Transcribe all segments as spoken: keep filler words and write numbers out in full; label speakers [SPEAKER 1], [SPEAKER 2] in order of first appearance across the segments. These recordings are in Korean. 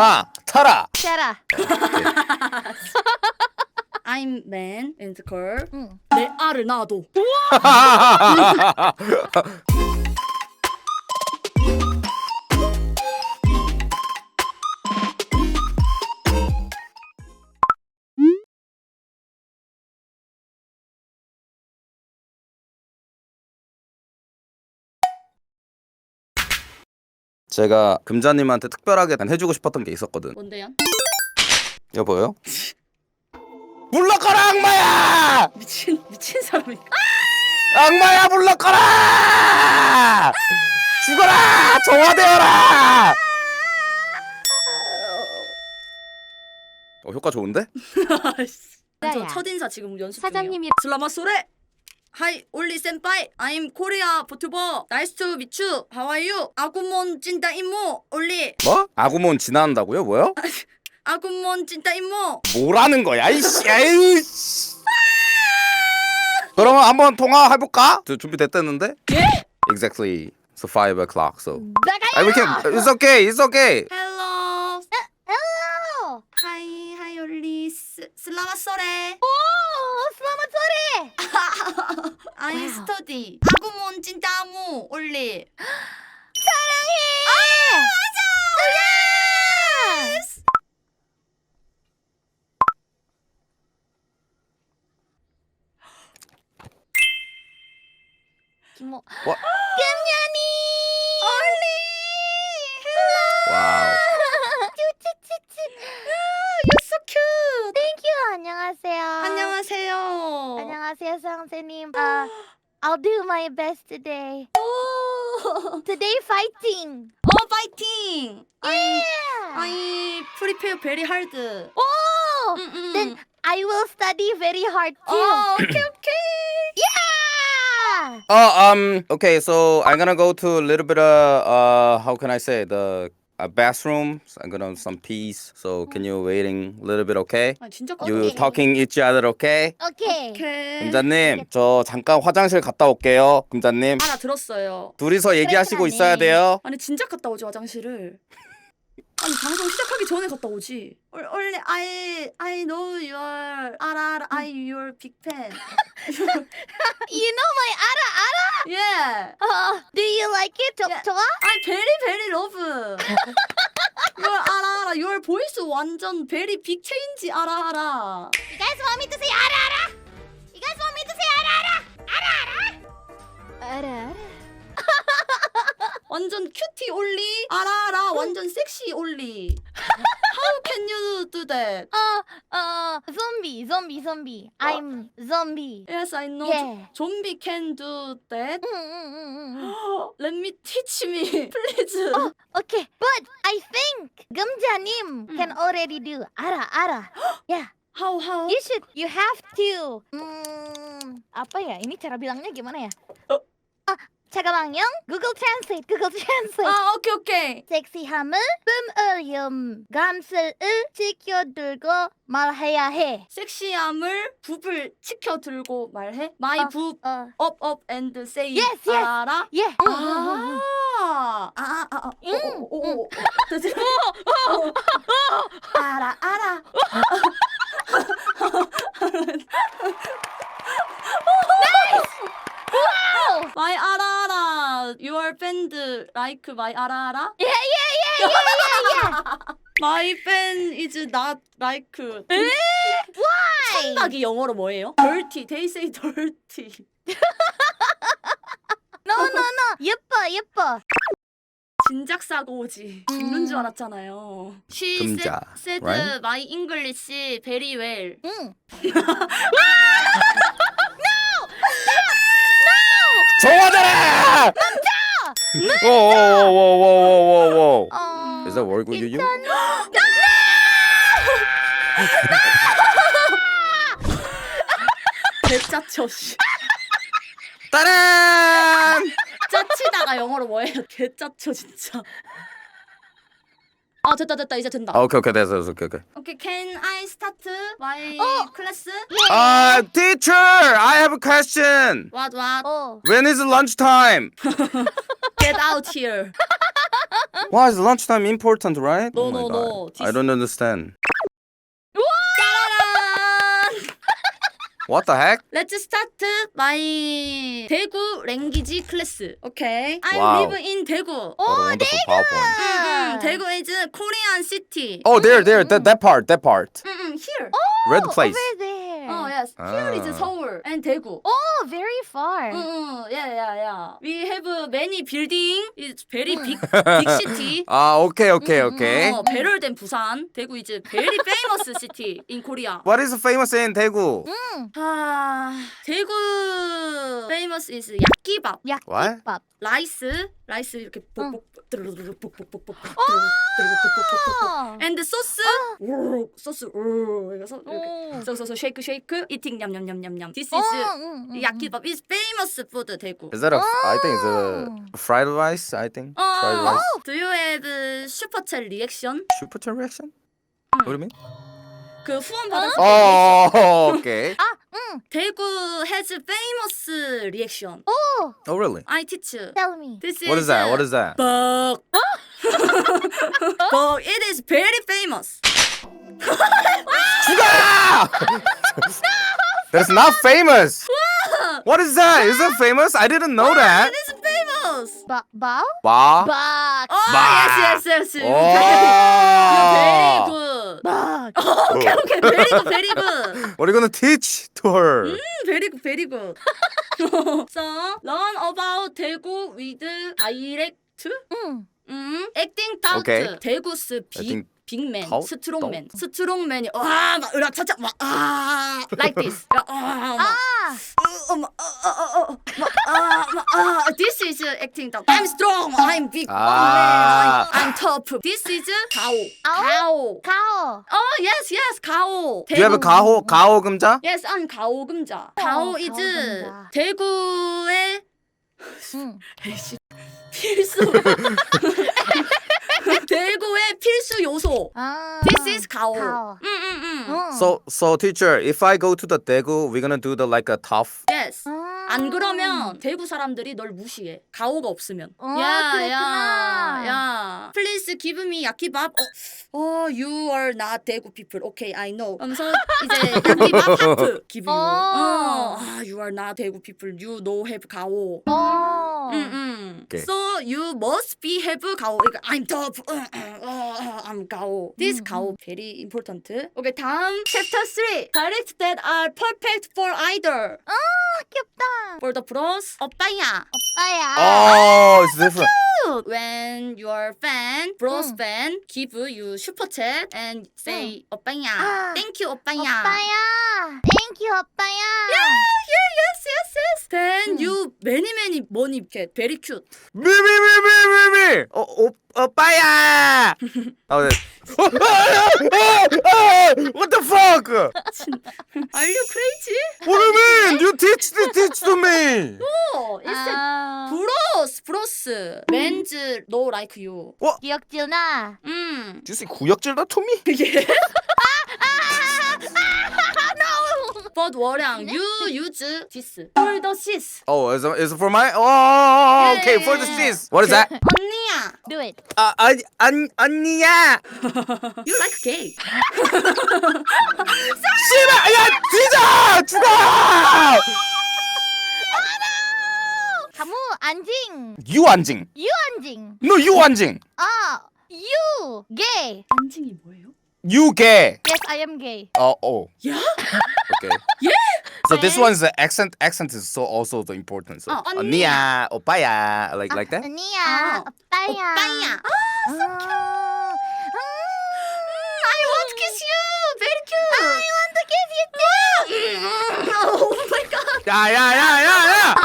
[SPEAKER 1] 마 타라.
[SPEAKER 2] 샤라.
[SPEAKER 3] I'm man and girl.
[SPEAKER 2] 응.
[SPEAKER 3] 내 알을 놔도.
[SPEAKER 1] 제가 금자님한테 특별하게 해주고 싶었던 게 있었거든.
[SPEAKER 3] 뭔데요?
[SPEAKER 1] 여보요? 물러가라 악마야!
[SPEAKER 3] 미친 미친 사람이.
[SPEAKER 1] 악마야 물러가라! 죽어라! 정화되어라! 어 효과 좋은데?
[SPEAKER 3] 저 첫인사 지금 연습 중이에요.
[SPEAKER 2] 사장님이
[SPEAKER 3] 슬라마 소레. 하이 올리 센파이. I'm 코리아 보트버. 나이스 투 미추. 하와이유. 아구몬 찐따 임모. 올리.
[SPEAKER 1] 뭐? 아구몬 지나간다고요? 뭐요?
[SPEAKER 3] 아구몬 찐따 임모.
[SPEAKER 1] 뭐라는 거야 이씨. 아유 씨. 그러면 한번 통화해볼까? 저 준비됐다는데?
[SPEAKER 3] 예?
[SPEAKER 1] Exactly. So five o'clock. So.
[SPEAKER 2] 나가요.
[SPEAKER 1] I we can. It's okay. It's okay.
[SPEAKER 3] 헬로.
[SPEAKER 2] 헬로.
[SPEAKER 3] 하이 하이 올리 스, 슬라마 소레.
[SPEAKER 2] 오, 슬라마 소리.
[SPEAKER 3] 아이
[SPEAKER 2] 와우.
[SPEAKER 3] 스터디. 아구몬 찐따 아무. 올리.
[SPEAKER 2] 사랑해. 아, 맞아. 김모.
[SPEAKER 1] 와.
[SPEAKER 2] 금연이.
[SPEAKER 1] 와우.
[SPEAKER 2] 쭈쭈쭈쭈.
[SPEAKER 3] You're so cute.
[SPEAKER 2] Thank you. 안녕하세요.
[SPEAKER 3] 안녕하세요.
[SPEAKER 2] 안녕하세요, 선생님. Uh, I'll do my best today.
[SPEAKER 3] 오.
[SPEAKER 2] Today fighting.
[SPEAKER 3] 어 파이팅. 아이
[SPEAKER 2] Yeah.
[SPEAKER 3] 아이 프리페어 베리 하드.
[SPEAKER 2] Oh,
[SPEAKER 3] 음, 음.
[SPEAKER 2] then I will study very hard too.
[SPEAKER 3] 어 오케이 오케이.
[SPEAKER 2] Yeah.
[SPEAKER 1] Oh, um. Okay, so I'm gonna go to a little bit of uh. How can I say the uh, bathroom? So I'm gonna some peace. So can you waiting a little bit? Okay.
[SPEAKER 3] 아 진짜
[SPEAKER 1] You
[SPEAKER 3] 깜짝이야.
[SPEAKER 1] talking each other? Okay.
[SPEAKER 2] Okay.
[SPEAKER 3] 오케이.
[SPEAKER 1] 금자님, 저 잠깐 화장실 갔다 올게요. 금자님,
[SPEAKER 3] 알아 들었어요.
[SPEAKER 1] 둘이서 얘기하시고
[SPEAKER 2] 그래,
[SPEAKER 1] 있어야
[SPEAKER 2] 그러네.
[SPEAKER 1] 돼요.
[SPEAKER 3] 아니 진작 갔다 오지 화장실을. 아니 방송 시작하기 전에 갔다 오지. 올- 원래 I I know your 알아 알아 I your big fan.
[SPEAKER 2] You know my ara ara.
[SPEAKER 3] yeah.
[SPEAKER 2] Uh, do you like it? 저,
[SPEAKER 3] Yeah.
[SPEAKER 2] 좋아?
[SPEAKER 3] I very very love. your 알아 알아 your voice 완전 very big change 알아 알아.
[SPEAKER 2] You guys want me to say ara ara? You guys want me to say ara ara? Ara ara? Ara ara.
[SPEAKER 3] 완전 큐티 올리 알아 알아 완전 섹시 올리. How can you do that?
[SPEAKER 2] Uh, uh, zombie, zombie, zombie. I'm zombie.
[SPEAKER 3] Yes, I know.
[SPEAKER 2] Yeah.
[SPEAKER 3] Zombie can do that.
[SPEAKER 2] 음, 음, 음, 음, 음.
[SPEAKER 3] Let me teach me, please.
[SPEAKER 2] Oh, okay. But I think 금자님
[SPEAKER 3] 음.
[SPEAKER 2] can already do ara ara. Yeah.
[SPEAKER 3] How how?
[SPEAKER 2] You should. You have to. Hmm, apa ya? Ini cara bilangnya gimana ya?
[SPEAKER 3] 어.
[SPEAKER 2] Ah, 잠깐만요. Google Translate. Google Translate.
[SPEAKER 3] 아 오케이 오케이.
[SPEAKER 2] 섹시함을 뿜으렴. 감슬을 지켜들고 말해야 해.
[SPEAKER 3] 섹시함을 붓을 치켜 들고 말해. My
[SPEAKER 2] 어,
[SPEAKER 3] 붓
[SPEAKER 2] 어.
[SPEAKER 3] up up and say.
[SPEAKER 2] Yes, yes.
[SPEAKER 3] 알아?
[SPEAKER 2] 예.
[SPEAKER 3] 아. 아, 아, 아,
[SPEAKER 2] 응,
[SPEAKER 3] 오, 오, 오. 됐지? 어. 알아, 알아. My 알아, 알아. Your band like my 알아, 알아?
[SPEAKER 2] 예, 예, 예, 예, 예, 예.
[SPEAKER 3] My band is not like.
[SPEAKER 2] Why?
[SPEAKER 3] 청각이 영어로 뭐예요? Dirty. They say dirty.
[SPEAKER 2] No, no, no. 예뻐, 예뻐.
[SPEAKER 3] 진작 사고 오지. 죽는 줄 알았잖아요. She
[SPEAKER 1] 금자,
[SPEAKER 3] said, said
[SPEAKER 1] right?
[SPEAKER 3] my English very well.
[SPEAKER 2] 응.
[SPEAKER 1] 정화되라! 오오오오오오오오.
[SPEAKER 2] 어.
[SPEAKER 1] Is that work with you?
[SPEAKER 2] 괜찮아.
[SPEAKER 3] 개짜쳐 씨.
[SPEAKER 1] 따란!
[SPEAKER 3] 짜치다가 영어로 뭐예요? 개짜쳐 진짜. 아 됐다 됐다 이제 된다.
[SPEAKER 1] 아, 오케이 오케이 됐어 됐어 오케이 오케이.
[SPEAKER 3] Okay, can I start my
[SPEAKER 2] 어.
[SPEAKER 3] class?
[SPEAKER 1] Uh, teacher, I have a question.
[SPEAKER 3] What what?
[SPEAKER 2] 어.
[SPEAKER 1] When is lunch time?
[SPEAKER 3] Get out here.
[SPEAKER 1] Why is lunchtime important, right?
[SPEAKER 3] No,
[SPEAKER 1] oh my
[SPEAKER 3] no,
[SPEAKER 1] God.
[SPEAKER 3] no.
[SPEAKER 1] I don't understand.
[SPEAKER 3] 짜라란!
[SPEAKER 1] What the heck?
[SPEAKER 3] Let's start my 대구 랭귀지 클래스. Okay. I
[SPEAKER 1] Wow.
[SPEAKER 3] live in 대구.
[SPEAKER 1] What a wonderful PowerPoint.
[SPEAKER 3] 음, 대구 is Korean city.
[SPEAKER 1] Oh, there, there, that, that part, that part.
[SPEAKER 3] 음, 음, here.
[SPEAKER 1] Red place.
[SPEAKER 2] Over there.
[SPEAKER 3] Oh yes. Here is
[SPEAKER 1] Ah.
[SPEAKER 3] 서울 and 대구.
[SPEAKER 2] Oh, very far.
[SPEAKER 3] 음, 음, yeah, yeah, yeah. We have many building. It's very big, big city.
[SPEAKER 1] Ah, okay, okay, okay.
[SPEAKER 3] 어, 배를 된 부산. 대구 is very famous city in Korea.
[SPEAKER 1] What is famous in Daegu?
[SPEAKER 3] 아, 대구 famous is 야끼밥.
[SPEAKER 2] 야끼밥.
[SPEAKER 3] 라이스, 라이스 이렇게 볶볶 드르르르 볶볶볶볶
[SPEAKER 2] 어.
[SPEAKER 3] and 소스 우 소스 우 이거
[SPEAKER 2] 오.
[SPEAKER 3] 이렇게 소소소 쉐이크 쉐이크 eating 냠냠냠냠냠. This
[SPEAKER 2] 어,
[SPEAKER 3] is
[SPEAKER 2] 응, 응,
[SPEAKER 3] 야끼밥 is famous food 대구.
[SPEAKER 1] Is that a, I think it's a fried rice, I think. Fried
[SPEAKER 3] 어,
[SPEAKER 1] rice.
[SPEAKER 3] do you have 슈퍼챗 리액션?
[SPEAKER 1] Super chat reaction? What do you mean?
[SPEAKER 3] 그 후원 받은
[SPEAKER 1] Oh, okay.
[SPEAKER 3] 대구 has famous reaction.
[SPEAKER 2] Oh,
[SPEAKER 1] Oh, really?
[SPEAKER 3] I teach.
[SPEAKER 2] tell me.
[SPEAKER 3] This is
[SPEAKER 1] What is that? What is that?
[SPEAKER 3] But but it is very famous.
[SPEAKER 1] Sugar! That's not famous. What is that? Is that famous? I didn't know that.
[SPEAKER 3] It is famous.
[SPEAKER 2] 바, 바?
[SPEAKER 1] Ba.
[SPEAKER 2] 박.
[SPEAKER 3] Oh
[SPEAKER 1] 마.
[SPEAKER 3] yes yes yes. Very
[SPEAKER 1] Oh.
[SPEAKER 3] good.
[SPEAKER 2] 박.
[SPEAKER 3] Okay okay very good very good.
[SPEAKER 1] What are you gonna teach to her?
[SPEAKER 3] Mm, very good very good. So learn about 대구 with dialect.
[SPEAKER 2] 응.
[SPEAKER 3] 음, acting out.
[SPEAKER 1] Okay.
[SPEAKER 3] 대구스 빅
[SPEAKER 1] Acting
[SPEAKER 3] 빅맨,
[SPEAKER 1] out?
[SPEAKER 3] 스트롱맨, 스트롱맨이 와막 으라차차 막아 like this. 야, 아, 막,
[SPEAKER 2] 아.
[SPEAKER 3] 어, 막, 어, 어, 어, 어, 막, 아, 막, 아, this is acting out. I'm strong. I'm big.
[SPEAKER 1] 아.
[SPEAKER 3] I'm, I'm tough. This is 가오.
[SPEAKER 2] 아오.
[SPEAKER 3] 가오.
[SPEAKER 2] 가오.
[SPEAKER 3] Oh yes yes 가오.
[SPEAKER 1] Do you have a 가호 가호 금자?
[SPEAKER 3] Yes, I'm 가오 금자. 가오 is
[SPEAKER 2] 가오 금자.
[SPEAKER 3] 대구의
[SPEAKER 2] 응.
[SPEAKER 3] 필수. 대구의 필수 요소.
[SPEAKER 2] 아.
[SPEAKER 3] This is 가오.
[SPEAKER 2] 가오.
[SPEAKER 3] 음, 음, 음.
[SPEAKER 2] 응.
[SPEAKER 1] So so teacher, if I go to the Daegu, we're gonna do the like a tough.
[SPEAKER 3] Yes.
[SPEAKER 2] 아.
[SPEAKER 3] 안 그러면 대구 사람들이 널 무시해. 가오가 없으면.
[SPEAKER 2] 어, 그랬구나.
[SPEAKER 3] 야. Please give me 야끼밥. 어, oh, you are not 대구 people. Okay, I know. 하면서 이제 야끼밥 하프 give you.
[SPEAKER 2] 어.
[SPEAKER 3] 어. 아, you are not 대구 people. You no have 가오.
[SPEAKER 2] 어.
[SPEAKER 3] 음, 음.
[SPEAKER 1] Okay.
[SPEAKER 3] So you must be have 가오. 그러니까 I'm tough. 어, 어, 어, I'm 가오. This 가오 very important. Okay, 다음 chapter three. Dialects that are perfect for either.
[SPEAKER 2] 아, 귀엽다.
[SPEAKER 3] For the pros, 오빠야.
[SPEAKER 2] 오빠야.
[SPEAKER 1] Oh, it's different.
[SPEAKER 3] When your fan, bros
[SPEAKER 2] 응.
[SPEAKER 3] fan, give you super chat and say 오빠야.
[SPEAKER 2] 아.
[SPEAKER 3] Thank you 오빠야.
[SPEAKER 2] 오빠야. Thank you, 오빠야.
[SPEAKER 3] Yeah, yes, yes, yes. Then you many many money get very cute.
[SPEAKER 1] Me, me, me, me, me, me. Oh, oh, 오빠야. Oh, that- what the fuck?
[SPEAKER 3] Are you crazy?
[SPEAKER 1] What do you mean? You teach the teach to me.
[SPEAKER 3] Oh, it's a
[SPEAKER 2] 아.
[SPEAKER 3] bros, bros. Men's no like you.
[SPEAKER 2] 기억지나.
[SPEAKER 3] 음.
[SPEAKER 1] Do you say 구역질다 to me?
[SPEAKER 3] 예. But 월양, you use this for the sis.
[SPEAKER 1] Oh, is it, is it for my? Oh, okay, for the sis. What is that?
[SPEAKER 3] 언니야,
[SPEAKER 2] Do it.
[SPEAKER 1] 아, 아, 안, 언니야.
[SPEAKER 3] you like gay.
[SPEAKER 1] 씨발, 야, 뒤져, 죽어.
[SPEAKER 2] 가무 안징.
[SPEAKER 1] 유안징.
[SPEAKER 2] 유안징.
[SPEAKER 1] No, 유안징.
[SPEAKER 2] 아. You gay.
[SPEAKER 3] 안징이 뭐예요?
[SPEAKER 1] 유개.
[SPEAKER 2] Yes, I am gay.
[SPEAKER 1] Oh, oh.
[SPEAKER 3] 야?
[SPEAKER 1] Okay.
[SPEAKER 3] Yeah?
[SPEAKER 1] So this one's the accent. Accent is so also the important. So
[SPEAKER 3] 어, 언니야.
[SPEAKER 1] 언니야, 오빠야, like like that.
[SPEAKER 2] 언니야.
[SPEAKER 3] 아,
[SPEAKER 2] 오빠야.
[SPEAKER 3] 오빠야.
[SPEAKER 2] 아, so cute.
[SPEAKER 3] I want to kiss you. Very cute.
[SPEAKER 2] I want to kiss you too.
[SPEAKER 3] Oh my god.
[SPEAKER 1] 야, 야, 야, 야, 야.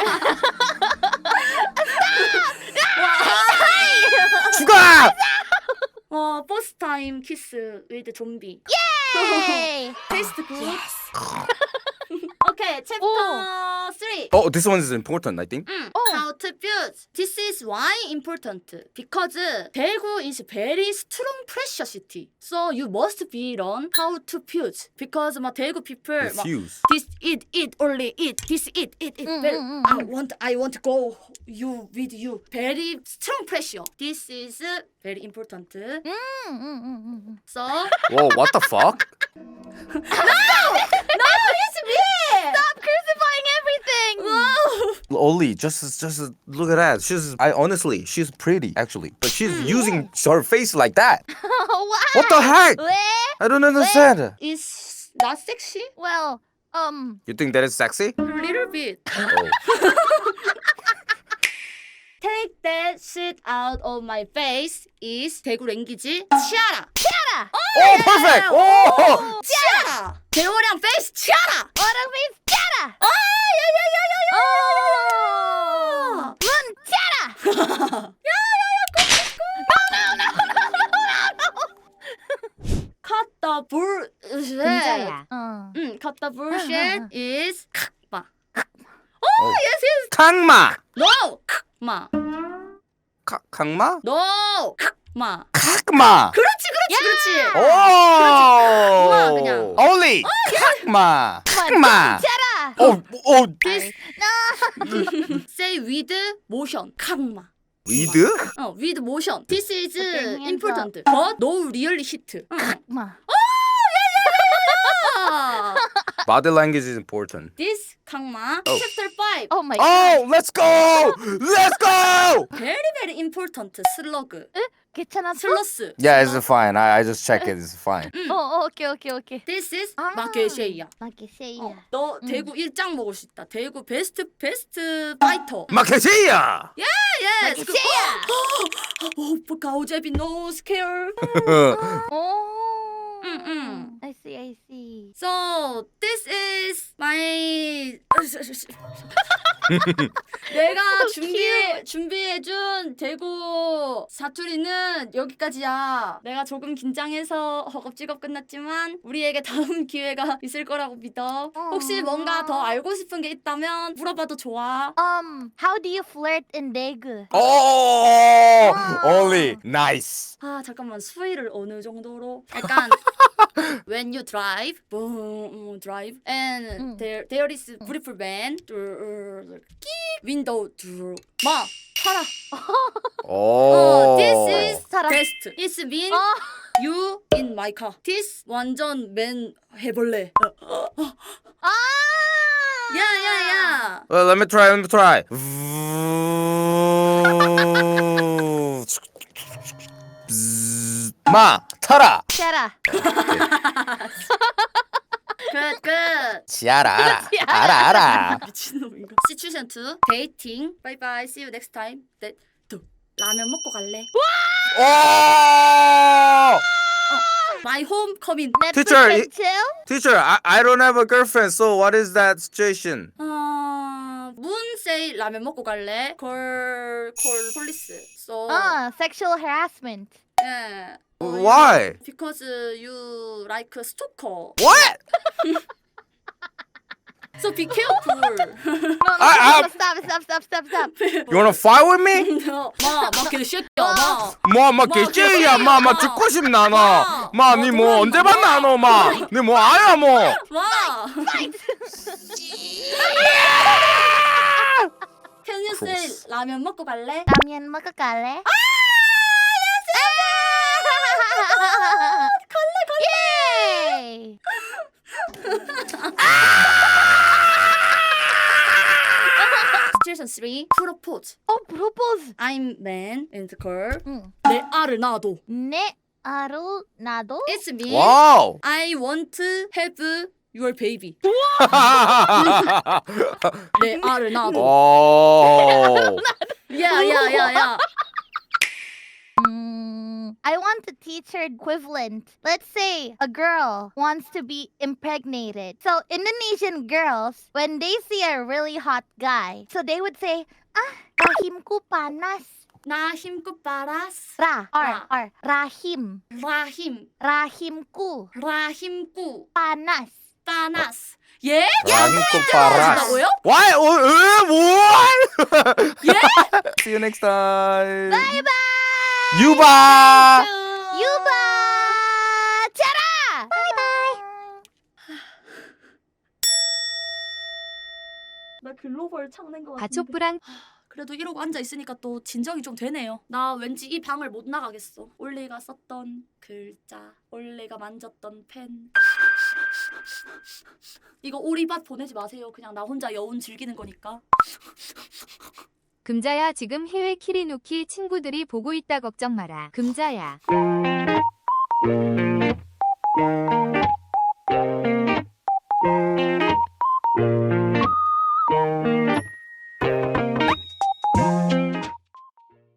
[SPEAKER 1] 죽어.
[SPEAKER 3] 와, first time kiss with zombie.
[SPEAKER 2] Yay!
[SPEAKER 3] Taste good. Okay, chapter three.
[SPEAKER 1] Oh, this one is important, I think.
[SPEAKER 3] Mm,
[SPEAKER 4] Oh.
[SPEAKER 3] How to fuse. This is why important. Because Daegu is very strong pressure city. So you must be learn how to fuse. Because 막 Daegu people 막
[SPEAKER 1] Refuse.
[SPEAKER 3] this it it only it this it it it
[SPEAKER 4] Mm,
[SPEAKER 3] very,
[SPEAKER 4] mm, mm,
[SPEAKER 3] I want I want to go you with you very strong pressure. This is very important.
[SPEAKER 4] 음, 음, 음, 음, 음.
[SPEAKER 3] So
[SPEAKER 1] Whoa, what the fuck?
[SPEAKER 3] it's me.
[SPEAKER 4] Stop crucifying everything.
[SPEAKER 3] Whoa.
[SPEAKER 1] Oli, just just look at that. She's I honestly, she's pretty actually, but she's using her face like that.
[SPEAKER 4] Why?
[SPEAKER 1] What the heck?
[SPEAKER 4] 왜?
[SPEAKER 1] I don't understand.
[SPEAKER 3] It's not sexy.
[SPEAKER 4] Well, um,
[SPEAKER 1] You think that is sexy?
[SPEAKER 3] A little bit.
[SPEAKER 1] Oh.
[SPEAKER 3] Take that shit out of my face is 대구 랭귀지 치아라.
[SPEAKER 4] 치아라.
[SPEAKER 1] Oh, perfect. Oh.
[SPEAKER 3] 치아라. 대호량 페이스 치아라.
[SPEAKER 4] 어랑 페이스 치아라.
[SPEAKER 3] 아,
[SPEAKER 4] 어. 문 치아라.
[SPEAKER 3] Cut the bullshit.
[SPEAKER 4] 금자야. 어.
[SPEAKER 3] 응, cut the bullshit is 마.
[SPEAKER 1] Oh.
[SPEAKER 3] Yes, yes.
[SPEAKER 1] 강마.
[SPEAKER 3] No. 마.
[SPEAKER 1] 카, 강마?
[SPEAKER 3] No. 마.
[SPEAKER 1] 강마.
[SPEAKER 3] 그렇지, 그렇지, 그렇지.
[SPEAKER 1] Oh.
[SPEAKER 3] 강마, 그냥.
[SPEAKER 1] Oli. 강마. 강마.
[SPEAKER 4] 치아라.
[SPEAKER 1] Oh, oh.
[SPEAKER 3] This say with motion. 강마.
[SPEAKER 1] With?
[SPEAKER 3] 어, with motion. This is
[SPEAKER 4] Okay, hands
[SPEAKER 3] important. But no really hit. 응.
[SPEAKER 4] 마.
[SPEAKER 3] 아.
[SPEAKER 1] Body language is important.
[SPEAKER 3] This 강마
[SPEAKER 1] Oh.
[SPEAKER 3] chapter five.
[SPEAKER 4] Oh my god.
[SPEAKER 1] Oh, let's go. Let's go.
[SPEAKER 3] Very very important. 슬러그.
[SPEAKER 4] 괜찮았어?
[SPEAKER 3] 슬러스.
[SPEAKER 1] Yeah, it's fine. I, I just check it. It's fine.
[SPEAKER 4] 어, 어, 오케이, 오케이, 오케이.
[SPEAKER 3] This is
[SPEAKER 4] 아.
[SPEAKER 3] 마케쉐이야.
[SPEAKER 4] 마케쉐이야.
[SPEAKER 3] 어, 너 대구 일장 먹을 수 있다. 대구 베스트 베스트 파이터.
[SPEAKER 1] 마케시야.
[SPEAKER 3] Yes.
[SPEAKER 4] 마케쉐이야.
[SPEAKER 3] 오, 가오제비 no scare.
[SPEAKER 4] 오.
[SPEAKER 3] 응, 응.
[SPEAKER 4] I see, I see.
[SPEAKER 3] So this is my 내가 준비해 준비해준 대구 사투리는 여기까지야. 내가 조금 긴장해서 허겁지겁 끝났지만 우리에게 다음 기회가 있을 거라고 믿어. 혹시 뭔가 더 알고 싶은 게 있다면 물어봐도 좋아.
[SPEAKER 4] Um, how do you flirt in Daegu?
[SPEAKER 1] Oh, Oli, nice.
[SPEAKER 3] 아 잠깐만 수위를 어느 정도로? 약간 when you drive, boom, drive, and
[SPEAKER 4] 음.
[SPEAKER 3] there there is beautiful man, 끼 window, 마 타라.
[SPEAKER 1] Oh.
[SPEAKER 3] 어, this is
[SPEAKER 4] 타라.
[SPEAKER 3] best. It's mean
[SPEAKER 4] 어.
[SPEAKER 3] you in my car. This 완전 맨 해볼래.
[SPEAKER 4] 아!
[SPEAKER 3] 야야야.
[SPEAKER 1] Well, let me try. Let me try. 마 타라.
[SPEAKER 4] 치아라.
[SPEAKER 3] 끝 끝.
[SPEAKER 1] 지아라 알아. 알아 알아.
[SPEAKER 3] 미친놈인가? Situation two. Dating. Bye bye. See you next time. 네. 또 라면 먹고 갈래?
[SPEAKER 1] Oh!
[SPEAKER 3] My home coming.
[SPEAKER 4] Netflix
[SPEAKER 1] Teacher,
[SPEAKER 4] and
[SPEAKER 1] it-
[SPEAKER 4] chill?
[SPEAKER 1] Teacher, I, I don't have a girlfriend, so what is that situation?
[SPEAKER 3] 어, 문 say 라면 먹고 갈래? Call call police. So
[SPEAKER 4] 아, sexual harassment.
[SPEAKER 3] 예. 어,
[SPEAKER 1] Why?
[SPEAKER 3] Because you like a stalker.
[SPEAKER 1] What?
[SPEAKER 3] So be careful.
[SPEAKER 4] No, no,
[SPEAKER 1] I-
[SPEAKER 4] no, stop, stop, stop, stop, stop.
[SPEAKER 1] You wanna fight with me?
[SPEAKER 3] 마, 마 개새끼야, 마.
[SPEAKER 1] 뭐, 마, 개찌야, 마, 마, 죽고 싶나, 너. 마, 니 뭐, 언제 봤나, 너, 마. 니 뭐, 아야, 뭐.
[SPEAKER 3] 마. Can you say 라면 먹고 갈래?
[SPEAKER 4] 라면 먹고 갈래?
[SPEAKER 3] 갈래, 갈래.
[SPEAKER 4] 예이!
[SPEAKER 3] Situation three. Propose.
[SPEAKER 4] 어, 프로포즈.
[SPEAKER 3] I'm man and girl.
[SPEAKER 4] 응.
[SPEAKER 3] 내 알을 놔도.
[SPEAKER 4] 내 아루 나도?
[SPEAKER 3] It's me.
[SPEAKER 1] Wow.
[SPEAKER 3] I want to have your baby. 내 알을 놔도.
[SPEAKER 1] oh.
[SPEAKER 3] Yeah, yeah, yeah, yeah.
[SPEAKER 4] Mm, I want to teach her equivalent. Let's say a girl wants to be impregnated. So Indonesian girls, when they see a really hot guy, so they would say, ah, rahimku panas.
[SPEAKER 3] 나 힘껏 빨았어.
[SPEAKER 4] Ra,
[SPEAKER 3] Ra.
[SPEAKER 4] or, or, rahim.
[SPEAKER 3] 라힘,
[SPEAKER 4] Rahimku
[SPEAKER 3] 라힘꾸,
[SPEAKER 4] panas.
[SPEAKER 3] panas. 예?
[SPEAKER 1] cinco paras.
[SPEAKER 3] 뭐요?
[SPEAKER 1] Why? Oh, uh, what?
[SPEAKER 3] 예?
[SPEAKER 1] See you next time.
[SPEAKER 4] Bye bye.
[SPEAKER 1] 유바.
[SPEAKER 4] 유바. 짜라. Bye bye.
[SPEAKER 3] 나 글로벌 창낸 거 같은데.
[SPEAKER 5] 가족부랑
[SPEAKER 3] 그래도 이러고 앉아 있으니까 또 진정이 좀 되네요. 나 왠지 이 방을 못 나가겠어. 올리가 썼던 글자, 올리가 만졌던 펜. 이거 오리밭 보내지 마세요. 그냥 나 혼자 여운 즐기는 거니까.
[SPEAKER 5] 금자야 지금 해외 키리누키 친구들이 보고 있다 걱정 마라. 금자야.